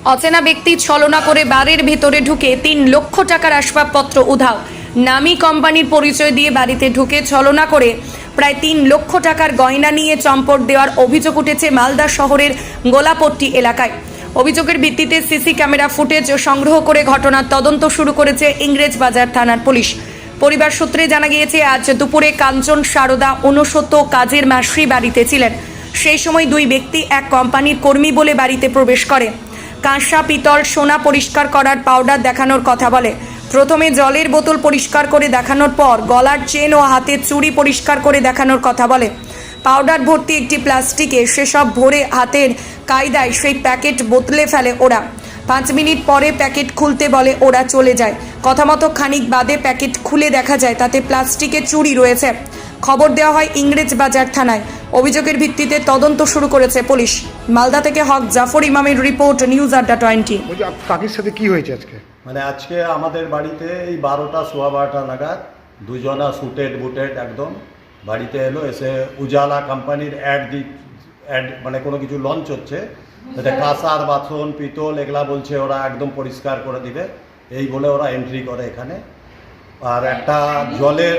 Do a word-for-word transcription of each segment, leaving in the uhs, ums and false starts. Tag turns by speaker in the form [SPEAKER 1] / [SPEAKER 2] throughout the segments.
[SPEAKER 1] অচেনা ব্যক্তি ছলনা করে বাড়ির ভেতরে ঢুকে তিন লক্ষ টাকার আসবাবপত্র উধাও। নামী কোম্পানির পরিচয় দিয়ে বাড়িতে ঢুকে ছলনা করে প্রায় তিন লক্ষ টাকার গয়না নিয়ে চম্পট দেওয়ার অভিযোগ উঠেছে মালদা শহরের গোলাপট্টি এলাকায়। অভিযোগের ভিত্তিতে সিসি ক্যামেরা ফুটেজ সংগ্রহ করে ঘটনার তদন্ত শুরু করেছে ইংরেজবাজার থানার পুলিশ। পরিবার সূত্রে জানা গিয়েছে, আজ দুপুরে কাঞ্চন সারদা ঊনসত্তর কাজের মাসি বাড়িতে ছিলেন। সেই সময় দুই ব্যক্তি এক কোম্পানির কর্মী বলে বাড়িতে প্রবেশ করে। কাঁসা, পিতল, সোনা পরিষ্কার করার পাউডার দেখানোর কথা বলে। প্রথমে জলের বোতল পরিষ্কার করে দেখানোর পর গলার চেন ও হাতের চুড়ি পরিষ্কার করে দেখানোর কথা বলে। পাউডার ভর্তি একটি প্লাস্টিকে সেসব ভরে হাতের কায়দায় সেই প্যাকেট বোতলে ফেলে ওরা। পাঁচ মিনিট পরে প্যাকেট খুলতে বলে, ওরা চলে যায়। কথা মতো খানিক বাদে প্যাকেট খুলে দেখা যায় তাতে প্লাস্টিকের চুড়ি রয়েছে। খবর দেওয়া হয় ইংরেজবাজার থানায়। অভিযোগের ভিত্তিতে তদন্ত শুরু করেছে পুলিশ। মালদা থেকে হক জাফর ইমামের রিপোর্ট, নিউজ আড্ডা টোয়েন্টি।
[SPEAKER 2] কাকির সাথে কি হয়েছে আজকে?
[SPEAKER 3] মানে আজকে আমাদের বাড়িতে এই বারোটা সোয়া বারোটা নাগাদ দুজনা সুটেড বুটেড একদম বাড়িতে এলো। এসে উজালা কোম্পানির অ্যাড দি অ্যাড মানে কোনো কিছু লঞ্চ হচ্ছে, এটা কাঁসার বাসন পিতল এগুলা বলছে ওরা একদম পরিষ্কার করে দিবে, এই বলে ওরা এন্ট্রি করে এখানে। আর একটা জলের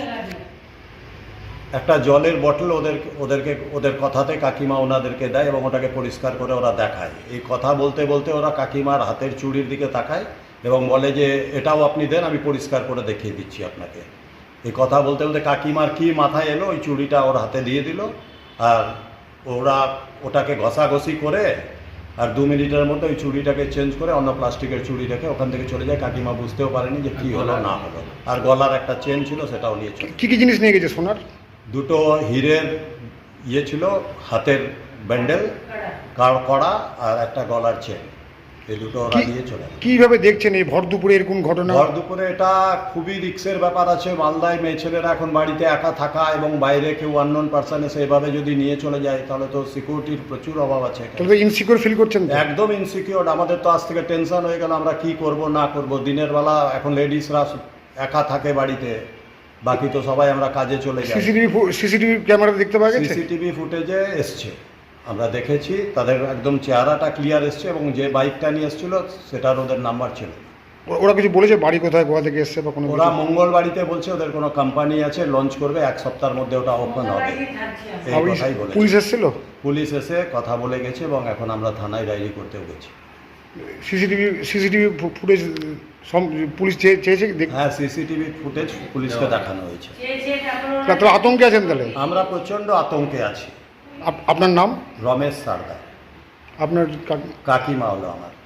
[SPEAKER 3] একটা জলের বটল ওদের ওদেরকে ওদের কথাতে কাকিমা ওনাদেরকে দেয় এবং ওটাকে পরিষ্কার করে ওরা দেখায়। এই কথা বলতে বলতে ওরা কাকিমার হাতের চুড়ির দিকে তাকায় এবং বলে যে এটাও আপনি দেন, আমি পরিষ্কার করে দেখিয়ে দিচ্ছি আপনাকে। এই কথা বলতে বলতে কাকিমার কি মাথায় এলো, ওই চুড়িটা ওর হাতে দিয়ে দিল। আর ওরা ওটাকে ঘষাঘষি করে আর দু মিনিটের মধ্যে ওই চুড়িটাকে চেঞ্জ করে অন্য প্লাস্টিকের চুড়ি রেখে ওখান থেকে চলে যায়। কাকিমা বুঝতেও পারেনি যে কি হলো না হলো। আর গলার একটা চেন ছিল, সেটাও নিয়ে চলে।
[SPEAKER 2] কি কি জিনিস নিয়ে গেছে? সোনার
[SPEAKER 3] দুটো হীরের ইয়ে ছিল, হাতের ব্যান্ডেল, কড়া আর একটা গলার চেন, এই দুটো ওরা নিয়ে চলে।
[SPEAKER 2] কিভাবে দেখছেন এই ভর দুপুরে এরকম ঘটনা?
[SPEAKER 3] ভর দুপুরে এটা খুবই রিস্কের ব্যাপার আছে। মালদায় মেয়ে ছেলেরা এখন বাড়িতে একা থাকা এবং বাইরে কেউ আননোন পার্সন এসে এভাবে যদি নিয়ে চলে যায় তাহলে তো সিকিউরিটির প্রচুর অভাব আছে।
[SPEAKER 2] তাহলে ইনসিকিউর ফিল করছেন?
[SPEAKER 3] একদম ইনসিকিউর। আমাদের তো আজ থেকে টেনশন হয়ে গেল, আমরা কি করব না করব। দিনের বেলা এখন লেডিসরা একা থাকে বাড়িতে, বাকি তো সবাই আমরা কাজে চলে যাই।
[SPEAKER 2] সিসিটিভি সিসিটিভি ক্যামেরা দেখতে পাওয়া গেছে?
[SPEAKER 3] সিসিটিভি ফুটেজে এসছে, আমরা দেখেছি। তাদের একদম চেহারাটা ক্লিয়ার এসছে এবং যে বাইকটা নিয়ে এসেছিল সেটার ওদের নাম্বার ছিল।
[SPEAKER 2] ওরা কিছু বলেছে বাড়ি কোথায়, কোথা থেকে এসছে বা কোনো?
[SPEAKER 3] ওরা মঙ্গল বাড়িতে বলছে ওদের কোনো কোম্পানি আছে, লঞ্চ করবে, এক সপ্তাহের মধ্যে ওটা ওপেন হবে, এই কথাই বলে।
[SPEAKER 2] পুলিশ এসেছিল?
[SPEAKER 3] পুলিশ এসে কথা বলে গেছে এবং এখন আমরা থানায় ডায়েরি করতেও গেছি।
[SPEAKER 2] সিসিটিভি সিসিটিভি ফুটেজ পুলিশ চেয়েছে?
[SPEAKER 3] হ্যাঁ, সিসিটিভি ফুটেজ পুলিশকে দেখানো হয়েছে।
[SPEAKER 2] তাহলে আতঙ্কে আছেন? তাহলে
[SPEAKER 3] আমরা প্রচণ্ড আতঙ্কে আছি।
[SPEAKER 2] আপনার নাম?
[SPEAKER 3] রমেশ সারদা।
[SPEAKER 2] আপনার
[SPEAKER 3] কাকিমা হলো আমার।